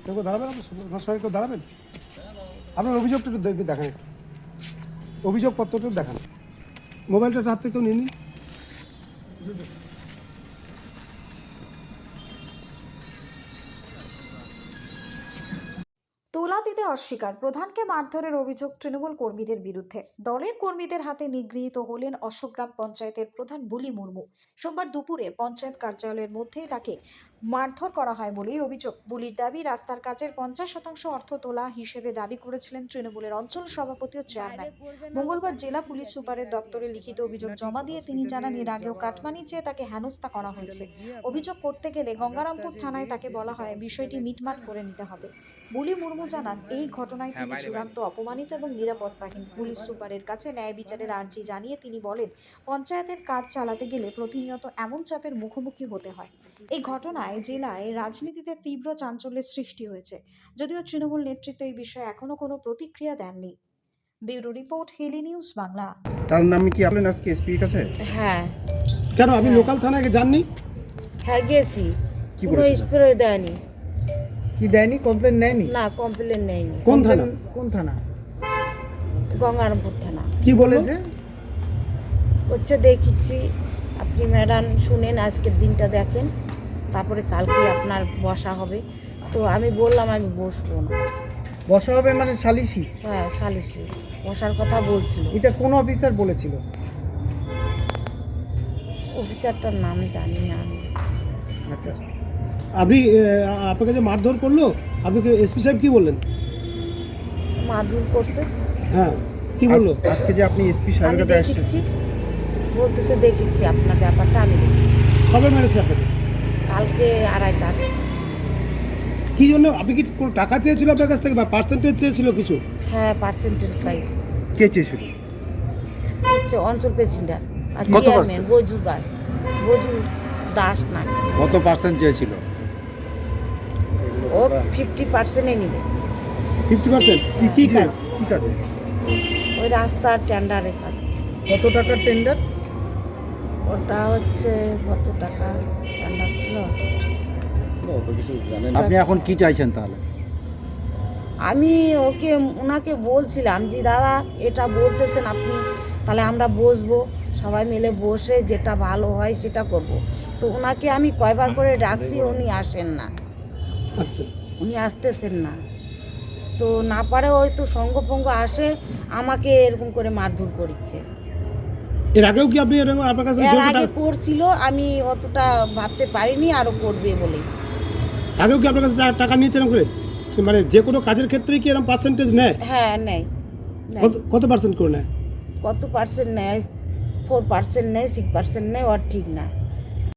কেউ দাঁড়াবেন, আপনার সঙ্গে কেউ দাঁড়াবেন? আপনার অভিযোগটা একটু দেখান, অভিযোগপত্রটা দেখান। মোবাইলটা হাত থেকে কেউ নিয়ে নিন। তোলা দিতে অস্বীকার, প্রধানকে মারধরের অভিযোগ তৃণমূল কর্মীদের বিরুদ্ধে। দলের কর্মীদের হাতে নিগৃহীত হলেন অশোকগ্রাম পঞ্চায়েতের প্রধান বুলি মুর্মু। সোমবার দুপুরে পঞ্চায়েত কার্যালয়ের মধ্যেই তাকে মারধর করা হয় বলেই অভিযোগ। বুলির দাবি, রাস্তার কাজের 50% অর্থ তোলা হিসেবে দাবি করেছিলেন তৃণমূলের অঞ্চল সভাপতি ও চেয়ারম্যান। মঙ্গলবার জেলা পুলিশ সুপারের দপ্তরে লিখিত অভিযোগ জমা দিয়ে তিনি জানান, এর আগেও কাটমানি চেয়ে তাকে হেনস্থা করা হয়েছে। অভিযোগ করতে গেলে গঙ্গারামপুর থানায় তাকে বলা হয় বিষয়টি মিটমাট করে নিতে হবে। বুলি মুর্মু জানান, এই ঘটনায় তিনি চূড়ান্ত অপমানিত এবং নিরাপত্তাহীন। পুলিশ সুপারের কাছে ন্যায় বিচারের আর্জি জানিয়ে তিনি বলেন, পঞ্চায়েতের কাজ চালাতে গেলে প্রতিনিয়ত এমন চাপের মুখোমুখি হতে হয়। এই ঘটনায় জেলায় রাজনীতিতে তীব্র চাঞ্চল্যের সৃষ্টি হয়েছে, যদিও তৃণমূল নেতৃত্ব এই বিষয়ে এখনো কোনো প্রতিক্রিয়া দেননি। Bureau report, Hili news Bangla. তার নামে কি আপনার আজকে এসপির কাছে? হ্যাঁ কেন আপনি লোকাল থানায় যাননি? হ্যাঁ গেছি, কি কোনো বলেছিল? স্প্রে দেয়নি। কি দেয়নি? কমপ্লেন নেয়নি? না, কমপ্লেন নেয়নি। কোন থানা? কোন থানা? গঙ্গারামপুর থানা। কি বলেছে? হচ্ছে দেখিচ্ছি, আপনি ম্যাডাম শুনেন, আজকের দিনটা দেখেন, তারপরে কালকে আপনার বসা হবে। তো আমি বললাম আমি বসবো না। বসা হবে মানে সালিসি? হ্যাঁ, সালিশি বসার কথা বলছিল। এটা কোন অফিসার বলেছিল? অফিসারটার নাম জানি না আমি। আচ্ছা, আপনি আপনাকে যে মারধর করলো, আপনাকে এসপি সাহেব কি বললেন? মারধর করছে। হ্যাঁ, কি বললো? আজকে যে আপনি এসপি আমি সাহেবের কাছে আসছেন, দেখিচ্ছি, বলতেছে দেখিচ্ছি আপনার ব্যাপারটা আমি দেখি। কবে মেরেছে আপনাকে? কালকে 2:30টা। কি জন্য? আপনি কি কোনো টাকা চেয়েছিল আপনার কাছ থেকে, বা পার্সেন্টেজ চেয়েছিল কিছু? হ্যাঁ, পার্সেন্টেজ সাইজ কে চেয়েছিল? হচ্ছে অঞ্চল প্রেসিডেন্ট আর কত চেয়ারম্যান percent? বজু দাস না, কত পার্সেন্ট চেয়েছিল? ও 50% নিবে। 50%? কি কাজ? কি কাজে? ওই রাস্তার টেন্ডারের কাজ। কত টাকার টেন্ডার? ওটা হচ্ছে কত টাকা টেন্ডার ছিল। আপনি এখন কি চাইছেন তাহলে? আমি ওনাকে বলছিলাম যে দাদা এটা বলতেছেন আপনি, তাহলে আমরা বসবো, সবাই মিলে বসে যেটা ভালো হয় সেটা করব। তো ওনাকে আমি কয়বার করে ডাকছি, উনি আসেন না, আচ্ছা, উনি আসতেছেন না। তো না পারে হয়তো সঙ্গপঙ্গ আসে, আমাকে এরকম করে মারধর করছে। এর আগেও কি আপনি এরকম আপনার কাছে এর জোর আগে টাকা- করছিল, আমি অতটা ভাবতে পারিনি আরো করবে বলে। আগেও কি আপনার কাছে টাকা নিয়েছেন করে? মানে যে কোনো কাজের ক্ষেত্রেই কি এরকম পার্সেন্টেজ নেয়? হ্যাঁ নেয়। কত পার্সেন্ট করে নেয়? কত পার্সেন্ট নেয়? 4% নেয়, 6% নেয়, ওর ঠিক না।